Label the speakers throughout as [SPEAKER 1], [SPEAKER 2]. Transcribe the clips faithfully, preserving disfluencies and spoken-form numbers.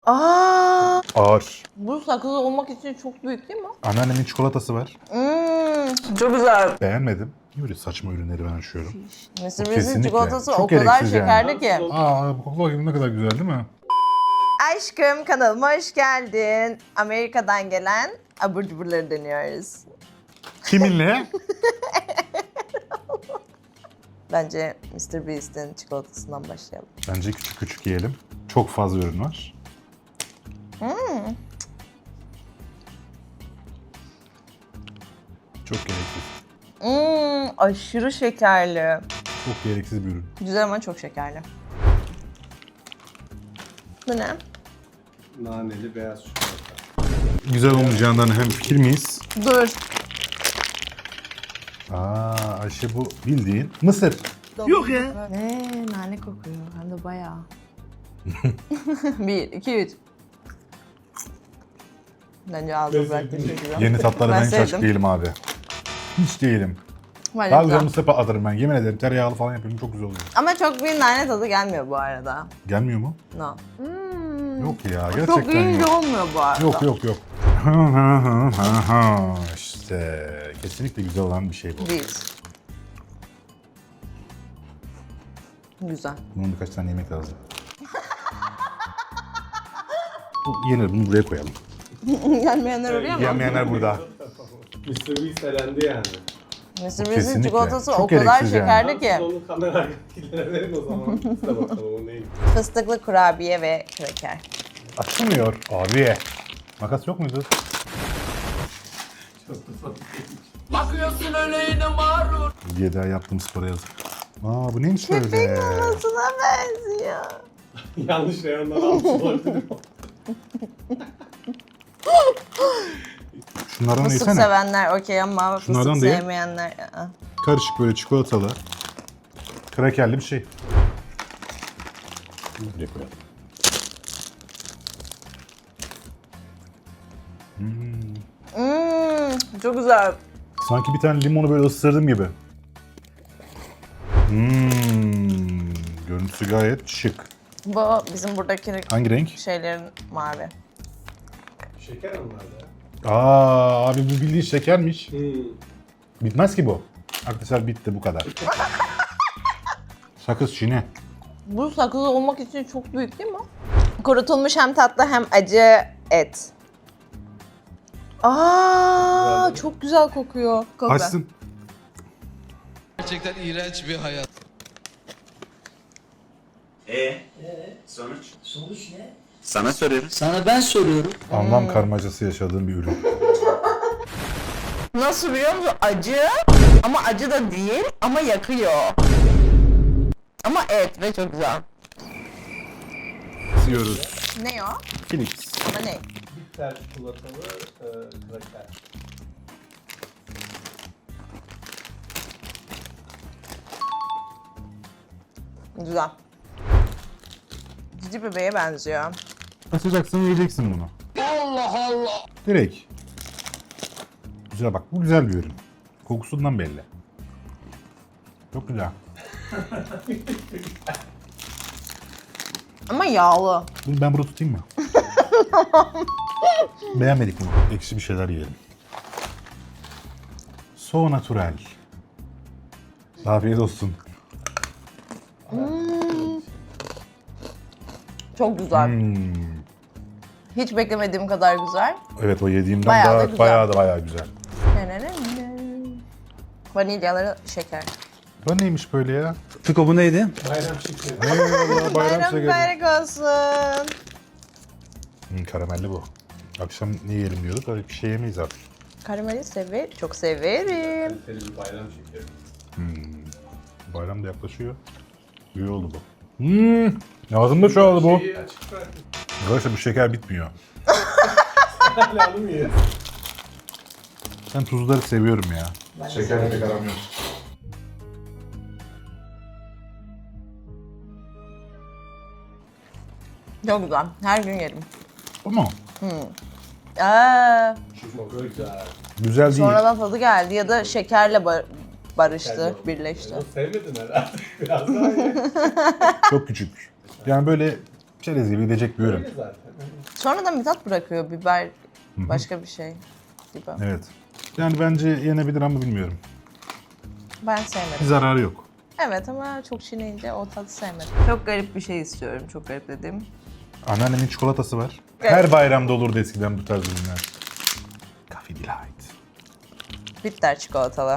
[SPEAKER 1] Aa,
[SPEAKER 2] Ağır.
[SPEAKER 1] bu sakız olmak için çok büyük değil mi?
[SPEAKER 2] Anneannemin çikolatası var.
[SPEAKER 1] Mmm, çok güzel.
[SPEAKER 2] Beğenmedim. Niye böyle saçma ürünleri ben açıyorum?
[SPEAKER 1] Mısır
[SPEAKER 2] Bu
[SPEAKER 1] Biz'in
[SPEAKER 2] kesinlikle.
[SPEAKER 1] çikolatası
[SPEAKER 2] Çok
[SPEAKER 1] o kadar
[SPEAKER 2] gereksiz yani.
[SPEAKER 1] şekerli ki.
[SPEAKER 2] Aa, bu kokla gibi ne kadar güzel değil mi?
[SPEAKER 1] Aşkım kanalıma hoş geldin. Amerika'dan gelen abur cuburları deniyoruz.
[SPEAKER 2] Kiminle?
[SPEAKER 1] Bence mister Beast'in çikolatasından başlayalım.
[SPEAKER 2] Bence küçük küçük yiyelim. Çok fazla ürün var.
[SPEAKER 1] Hmm.
[SPEAKER 2] Çok gereksiz.
[SPEAKER 1] Hmm, aşırı şekerli.
[SPEAKER 2] Çok gereksiz bir ürün.
[SPEAKER 1] Güzel ama çok şekerli. Bu ne?
[SPEAKER 3] Naneli beyaz çikolata.
[SPEAKER 2] Güzel olmayacağından hem fikir miyiz?
[SPEAKER 1] Dur.
[SPEAKER 2] Aa, Ayşe bu bildiğin mısır.
[SPEAKER 1] Yok ya. Ne? Nane kokuyor. Hem de bayağı. Bir, iki, üç. Bence ağzı bıraktığın çok güzel.
[SPEAKER 2] Yeni tatlara ben hiç
[SPEAKER 1] sevdim.
[SPEAKER 2] açık değilim abi. Hiç değilim.
[SPEAKER 1] Bence
[SPEAKER 2] Daha
[SPEAKER 1] güzel.
[SPEAKER 2] güzel mısır patlatırım ben. Yemin ederim tereyağlı falan yapıyorum çok güzel oluyor.
[SPEAKER 1] Ama çok bir nane tadı gelmiyor bu arada.
[SPEAKER 2] Gelmiyor mu?
[SPEAKER 1] No. Hmm.
[SPEAKER 2] Yok ya gerçekten
[SPEAKER 1] Çok yiyince
[SPEAKER 2] yok.
[SPEAKER 1] olmuyor bu arada.
[SPEAKER 2] Yok yok yok. İşte kesinlikle güzel olan bir şey bu.
[SPEAKER 1] Değil. Güzel.
[SPEAKER 2] Bunun birkaç tane yemek lazım. Bu yenir, bunu buraya koyalım.
[SPEAKER 1] Gelmeyenler oraya mı?
[SPEAKER 2] Yemeyenler burada.
[SPEAKER 3] mister Beast elendi yani.
[SPEAKER 1] mister Beast'in
[SPEAKER 2] Kesinlikle.
[SPEAKER 1] çikolatası
[SPEAKER 2] Çok
[SPEAKER 1] o kadar
[SPEAKER 2] gereksiz yani.
[SPEAKER 1] şekerli
[SPEAKER 3] Ben
[SPEAKER 1] ki.
[SPEAKER 3] siz onu kamera arkadakilere verin o zaman. Biz de bakalım o neymiş.
[SPEAKER 1] Fıstıklı kurabiye ve kraker.
[SPEAKER 2] Açılmıyor abi. Makas yok muydu?
[SPEAKER 4] Bakıyorsun öyle yine mağrur.
[SPEAKER 2] Diye daha yaptığım spora yazık. Aa bu neymiş öyle?
[SPEAKER 1] Köpek mamasına benziyor.
[SPEAKER 3] Yanlış reyondan almış olabilirim.
[SPEAKER 2] Şunlardan da
[SPEAKER 1] Fıstık
[SPEAKER 2] yesene.
[SPEAKER 1] sevenler okey ama
[SPEAKER 2] Şunlardan
[SPEAKER 1] fıstık
[SPEAKER 2] da ye.
[SPEAKER 1] sevmeyenler ı-ı.
[SPEAKER 2] Karışık böyle çikolatalı. Krakerli bir şey. Buraya koyalım.
[SPEAKER 1] Hmm, çok güzel.
[SPEAKER 2] Sanki bir tane limonu böyle ısırdım gibi. Hmm, görüntüsü gayet şık.
[SPEAKER 1] Bu bizim buradaki
[SPEAKER 2] Hangi renk?
[SPEAKER 1] şeylerin mavi.
[SPEAKER 3] Şeker onlar da.
[SPEAKER 2] Aa abi bu bildiğin şekermiş.
[SPEAKER 3] Hmm.
[SPEAKER 2] Bitmez ki bu. Arkadaşlar bitti bu kadar. Sakız çiğne.
[SPEAKER 1] Bu sakız olmak için çok büyük değil mi? Kurutulmuş hem tatlı hem acı et. Aa, çok güzel kokuyor. Kokla.
[SPEAKER 2] Açsın.
[SPEAKER 4] Gerçekten iğrenç bir hayat.
[SPEAKER 5] E sonuç? Sonuç ne? Sana soruyorum.
[SPEAKER 6] Sana ben soruyorum.
[SPEAKER 2] Anlam karmacası yaşadığım bir ürün.
[SPEAKER 1] Nasıl biliyor musun? Acı ama acı da değil ama yakıyor. Ama et ve çok güzel.
[SPEAKER 2] Yiyoruz.
[SPEAKER 1] Ne o?
[SPEAKER 2] Philips.
[SPEAKER 1] Ama ne?
[SPEAKER 3] Bitter çikolatalı e, kraker.
[SPEAKER 1] Güzel. Cici bebeğe benziyor.
[SPEAKER 2] Açacaksın yiyeceksin bunu. Allah Allah. Direkt. Güzel bak bu güzel bir ürün. Kokusundan belli. Çok güzel.
[SPEAKER 1] Ama yağlı.
[SPEAKER 2] Bunu ben burada tutayım mı? Beğenmedik bunu. Ekşi bir şeyler yiyelim. So natural. Afiyet olsun.
[SPEAKER 1] Çok güzel.
[SPEAKER 2] Hmm.
[SPEAKER 1] Hiç beklemediğim kadar güzel.
[SPEAKER 2] Evet o yediğimden
[SPEAKER 1] Bayağı da
[SPEAKER 2] daha
[SPEAKER 1] güzel.
[SPEAKER 2] bayağı da bayağı güzel.
[SPEAKER 1] Vanilyaları şeker.
[SPEAKER 2] Bu neymiş böyle ya?
[SPEAKER 6] Fiko bu neydi?
[SPEAKER 3] Bayram şekeri.
[SPEAKER 2] Eyvallah bayram
[SPEAKER 1] Bayram
[SPEAKER 2] şekeri.
[SPEAKER 1] mübarek olsun.
[SPEAKER 2] Hmm, karamelli bu. Akşam ne yiyelim diyorduk öyle bir şey yemeyiz artık.
[SPEAKER 1] Karameli sever, çok severim.
[SPEAKER 3] Kaliteli bir bayram şekeri.
[SPEAKER 2] Bayram da yaklaşıyor. İyi oldu bu. Hmm, ağzımda çoğaldı bu.
[SPEAKER 3] Şeyi açık bırak.
[SPEAKER 2] Arkadaşlar bu şeker bitmiyor.
[SPEAKER 3] Hala alım yiyor.
[SPEAKER 2] Ben tuzları seviyorum ya. Şekerle pek aram yok.
[SPEAKER 1] Çok güzel. Her gün yerim.
[SPEAKER 2] Ama
[SPEAKER 1] Aa,
[SPEAKER 3] Çok güzel.
[SPEAKER 2] güzel değil.
[SPEAKER 1] sonradan tadı geldi ya da şekerle ba- barıştı, birleşti.
[SPEAKER 3] Onu sevmedin herhalde. Biraz daha ye.
[SPEAKER 2] Çok küçük. Yani böyle Çerez gibi gidecek bir ürün.
[SPEAKER 3] Öyle zaten.
[SPEAKER 1] Sonradan bir tat bırakıyor biber, başka bir şey gibi.
[SPEAKER 2] Evet. Yani bence yenebilir ama bilmiyorum.
[SPEAKER 1] Ben
[SPEAKER 2] Bir
[SPEAKER 1] sevmedim.
[SPEAKER 2] zararı yok.
[SPEAKER 1] Evet ama çok çiğneyince o tadı sevmedim. Çok garip bir şey istiyorum. Çok garip dediğim.
[SPEAKER 2] Anneannemin çikolatası var.
[SPEAKER 1] Evet.
[SPEAKER 2] Her bayramda olurdu eskiden bu tarz ürünler. Coffee Delight.
[SPEAKER 1] Bitter çikolatalı.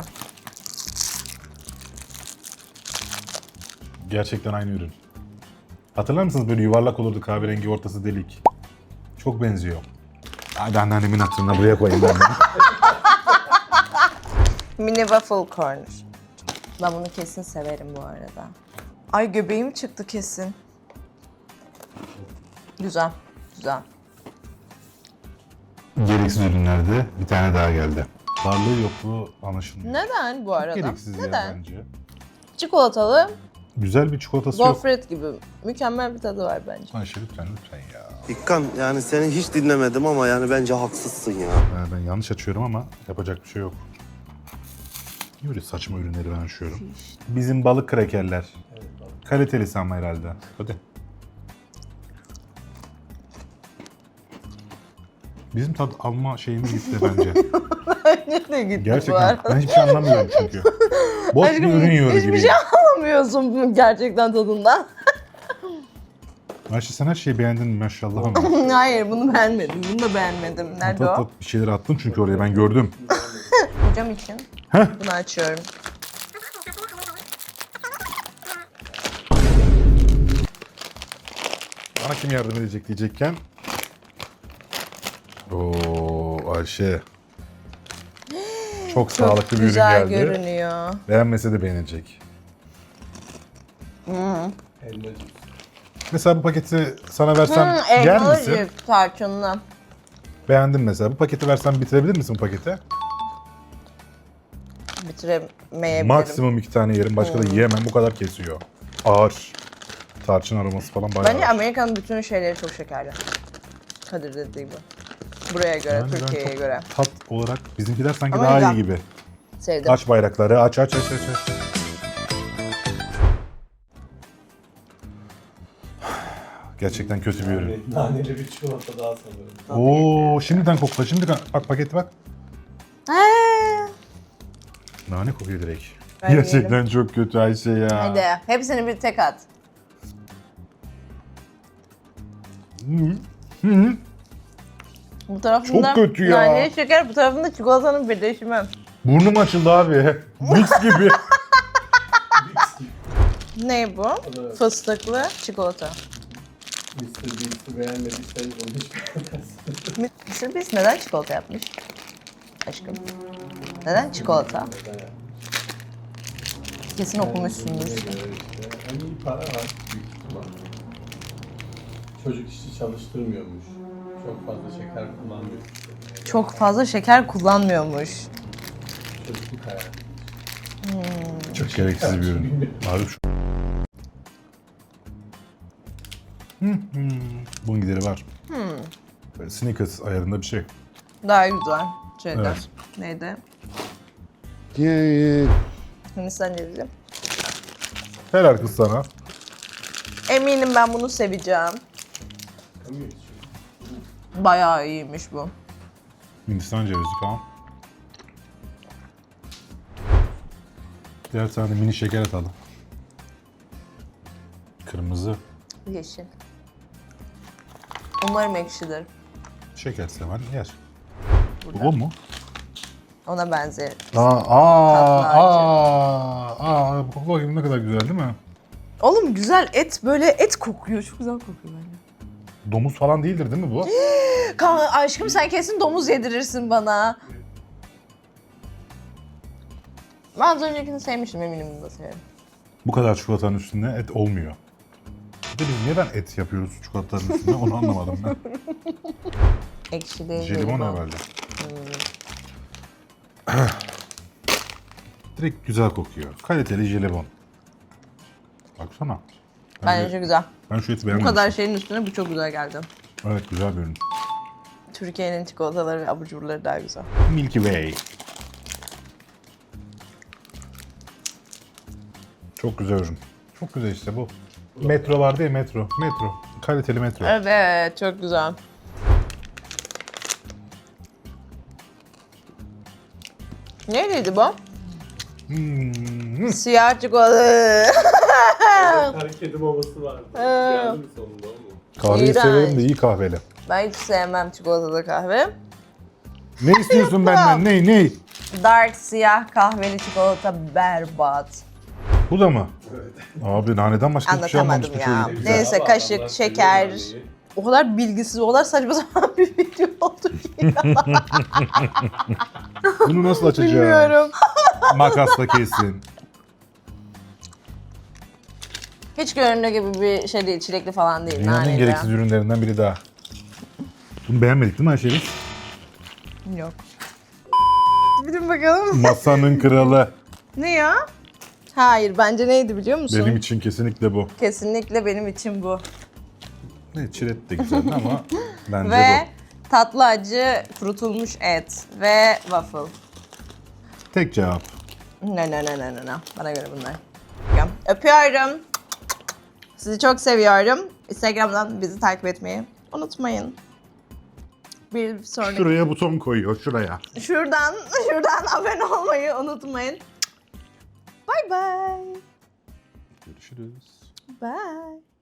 [SPEAKER 2] Gerçekten aynı ürün. Hatırlar mısınız böyle yuvarlak olurdu kahverengi ortası delik. Çok benziyor. Hadi anneannemin hatırına buraya koyayım ben bunu.
[SPEAKER 1] Mini waffle corner. Ben bunu kesin severim bu arada. Ay göbeğim çıktı kesin. Güzel, güzel.
[SPEAKER 2] Gereksiz ürünlerde bir tane daha geldi. Varlığı yokluğu anlaşılmıyor.
[SPEAKER 1] Neden bu arada?
[SPEAKER 2] Gereksiz ya
[SPEAKER 1] Neden?
[SPEAKER 2] bence.
[SPEAKER 1] Çikolatalı,
[SPEAKER 2] Güzel bir çikolatası yok.
[SPEAKER 1] gofret gibi. Mükemmel bir tadı var bence.
[SPEAKER 2] Ayşe lütfen lütfen ya.
[SPEAKER 7] İkkan yani seni hiç dinlemedim ama yani bence haksızsın ya.
[SPEAKER 2] Ben, ben yanlış açıyorum ama yapacak bir şey yok. Niye böyle saçma ürünleri ben açıyorum? Bizim balık krakerler. Kalitelisi ama herhalde. Hadi. Bizim tat alma şeyimiz gitti bence.
[SPEAKER 1] Ne gitti bu
[SPEAKER 2] Gerçekten.
[SPEAKER 1] arada?
[SPEAKER 2] Ben hiçbir şey anlamıyorum çünkü. Boş bir ürün yiyor
[SPEAKER 1] Hiçbir
[SPEAKER 2] gibi.
[SPEAKER 1] şey anlamıyorsun gerçekten tadından.
[SPEAKER 2] Ayşe sen her şeyi beğendin mi maşallah ama.
[SPEAKER 1] Hayır bunu beğenmedim. Bunu da beğenmedim. Nerede
[SPEAKER 2] Tat
[SPEAKER 1] o?
[SPEAKER 2] tat bir şeyler attın çünkü oraya ben gördüm.
[SPEAKER 1] Hocam için.
[SPEAKER 2] Heh.
[SPEAKER 1] Bunu açıyorum.
[SPEAKER 2] Bana kim yardım edecek diyecekken. Oo Ayşe. Çok sağlıklı bir ürün
[SPEAKER 1] Güzel
[SPEAKER 2] geldi.
[SPEAKER 1] görünüyor.
[SPEAKER 2] Beğenmese de beğenecek.
[SPEAKER 3] Elmacık.
[SPEAKER 2] Mesela bu paketi sana versem
[SPEAKER 1] Hmm,
[SPEAKER 2] yer
[SPEAKER 1] elmalı
[SPEAKER 2] misin?
[SPEAKER 1] cips tarçınlı.
[SPEAKER 2] Beğendim mesela. Bu paketi versem bitirebilir misin bu paketi?
[SPEAKER 1] Bitiremeyebilirim.
[SPEAKER 2] Maksimum iki tane yerim. Başka da yiyemem. Bu kadar kesiyor. Ağır. Tarçın aroması falan bayağı
[SPEAKER 1] Bence
[SPEAKER 2] ağır.
[SPEAKER 1] Amerika'nın bütün şeyleri çok şekerli. Kadir dediği gibi. Buraya göre,
[SPEAKER 2] Yani ben
[SPEAKER 1] Türkiye'ye
[SPEAKER 2] çok
[SPEAKER 1] göre.
[SPEAKER 2] Tat olarak bizimkiler sanki
[SPEAKER 1] Ama
[SPEAKER 2] daha
[SPEAKER 1] güzel.
[SPEAKER 2] iyi gibi.
[SPEAKER 1] Sevdim.
[SPEAKER 2] Aç bayrakları. Aç aç aç aç. aç. Gerçekten kötü bir ürün.
[SPEAKER 3] Yani naneli bir çikolata daha sanırım.
[SPEAKER 2] Oo, şimdiden kokla. Şimdiden bak paketi bak.
[SPEAKER 1] Eee.
[SPEAKER 2] Nane kokuyor direkt.
[SPEAKER 1] Ben
[SPEAKER 2] Gerçekten çok kötü Ayşe ya.
[SPEAKER 1] Hadi hepsini bir tek at.
[SPEAKER 2] Hı. Hı.
[SPEAKER 1] Bu tarafında
[SPEAKER 2] Çok kötü ya.
[SPEAKER 1] nane şeker, bu tarafında çikolatanın birleşimi.
[SPEAKER 2] Burnum açıldı abi. Mix gibi.
[SPEAKER 1] Ne bu?
[SPEAKER 3] Evet.
[SPEAKER 1] Fıstıklı çikolata.
[SPEAKER 3] mister Beast'i beğenmediysen onu hiç beğenmezsin.
[SPEAKER 1] mister Beast neden çikolata yapmış? Aşkım. Neden çikolata? Kesin okumuşsundur.
[SPEAKER 3] İşte, hani iyi para var büyük ihtimal. Çocuk işçi çalıştırmıyormuş. Çok fazla şeker kullanmıyor.
[SPEAKER 1] Çok fazla şeker kullanmıyormuş.
[SPEAKER 3] Çocukluk hayali.
[SPEAKER 2] Çok gereksiz bir ürün. Abi şu. Hı hı. Bunun gideri var. Böyle Snickers ayarında bir şey.
[SPEAKER 1] Daha güzel. Şeyden.
[SPEAKER 2] Evet.
[SPEAKER 1] Neydi?
[SPEAKER 2] Yeah.
[SPEAKER 1] Hindistan cevizi.
[SPEAKER 2] Helal kız sana.
[SPEAKER 1] Eminim ben bunu seveceğim.
[SPEAKER 3] Kamıyor hiç.
[SPEAKER 1] Bayağı iyiymiş bu.
[SPEAKER 2] Hindistan cevizi falan. Diğer tane mini şeker atalım. Kırmızı.
[SPEAKER 1] Yeşil. Umarım ekşidir.
[SPEAKER 2] Şeker seven yer.
[SPEAKER 1] Burada.
[SPEAKER 2] Bu o mu?
[SPEAKER 1] Ona benzer.
[SPEAKER 2] Aa, aa,
[SPEAKER 1] Tatlı acı.
[SPEAKER 2] aa, aa, koku bakayım ne kadar güzel değil mi?
[SPEAKER 1] Oğlum güzel et böyle et kokuyor. Çok güzel kokuyor bence.
[SPEAKER 2] Domuz falan değildir değil mi bu?
[SPEAKER 1] Ka- aşkım sen kesin domuz yedirirsin bana. Ben az öncekini sevmiştim, eminim bunu da severim.
[SPEAKER 2] Bu kadar çikolatanın üstünde et olmuyor. Bir de biz neden et yapıyoruz çikolatanın üstünde onu anlamadım ben.
[SPEAKER 1] Ekşi değil.
[SPEAKER 2] Jelibon herhalde. Direkt güzel kokuyor. Kaliteli jelibon. Baksana. Ben,
[SPEAKER 1] Bence güzel.
[SPEAKER 2] ben şu eti
[SPEAKER 1] Bu
[SPEAKER 2] beğenmedim.
[SPEAKER 1] kadar şeyin üstüne bu çok güzel geldi.
[SPEAKER 2] Evet güzel bir ürün.
[SPEAKER 1] Türkiye'nin çikolataları ve abur cuburları daha güzel.
[SPEAKER 2] Milky Way. Çok güzel ürün. Çok güzel işte bu. Metro vardı ya metro. Metro. Kaliteli metro.
[SPEAKER 1] Evet, çok güzel. Neyliydi bu?
[SPEAKER 2] Hmm.
[SPEAKER 1] Siyah çikolata.
[SPEAKER 3] Her kedi babası vardı. Geldi mi sonunda o mu?
[SPEAKER 2] Kahveyi
[SPEAKER 1] İğrenç.
[SPEAKER 2] severim de iyi kahveli.
[SPEAKER 1] Ben hiç sevmem çikolatalı kahve.
[SPEAKER 2] Ne istiyorsun benden? Ne? Ne?
[SPEAKER 1] Dark siyah kahveli çikolata berbat.
[SPEAKER 2] Bu da mı? Abi naneden başka hiçbir şey
[SPEAKER 1] Anlatamadım
[SPEAKER 2] almamıştım.
[SPEAKER 1] ya.
[SPEAKER 2] Şöyle.
[SPEAKER 1] Neyse
[SPEAKER 3] Ama
[SPEAKER 1] kaşık,
[SPEAKER 3] Allah
[SPEAKER 1] şeker.
[SPEAKER 3] seviyor anneyi.
[SPEAKER 1] O kadar bilgisiz, o kadar saçma sapan bir video oldu ki.
[SPEAKER 2] Bunu nasıl açacağız?
[SPEAKER 1] Bilmiyorum.
[SPEAKER 2] Makasla kesin.
[SPEAKER 1] Hiç göründüğü gibi bir şey değil, çilekli falan değil.
[SPEAKER 2] Dünyanın en
[SPEAKER 1] naneli.
[SPEAKER 2] gereksiz ürünlerinden biri daha. Bunu beğenmedik değil mi Ayşe?
[SPEAKER 1] Yok. Bilin bakalım.
[SPEAKER 2] Masanın kralı.
[SPEAKER 1] Ne ya? Hayır, bence neydi biliyor musun?
[SPEAKER 2] Benim için kesinlikle bu.
[SPEAKER 1] Kesinlikle benim için bu.
[SPEAKER 2] Ne çilet de güzel ama bence
[SPEAKER 1] Ve tatlı acı kurutulmuş et ve waffle.
[SPEAKER 2] bu. Tek cevap.
[SPEAKER 1] Ne ne ne ne ne ne. Bana göre bunlar. Öpüyorum. Sizi çok seviyorum. Instagram'dan bizi takip etmeyi unutmayın. Bir sonraki...
[SPEAKER 2] Şuraya buton koyuyor, şuraya.
[SPEAKER 1] Şuradan, şuradan abone olmayı unutmayın. Bye bye.
[SPEAKER 2] Görüşürüz.
[SPEAKER 1] Bye.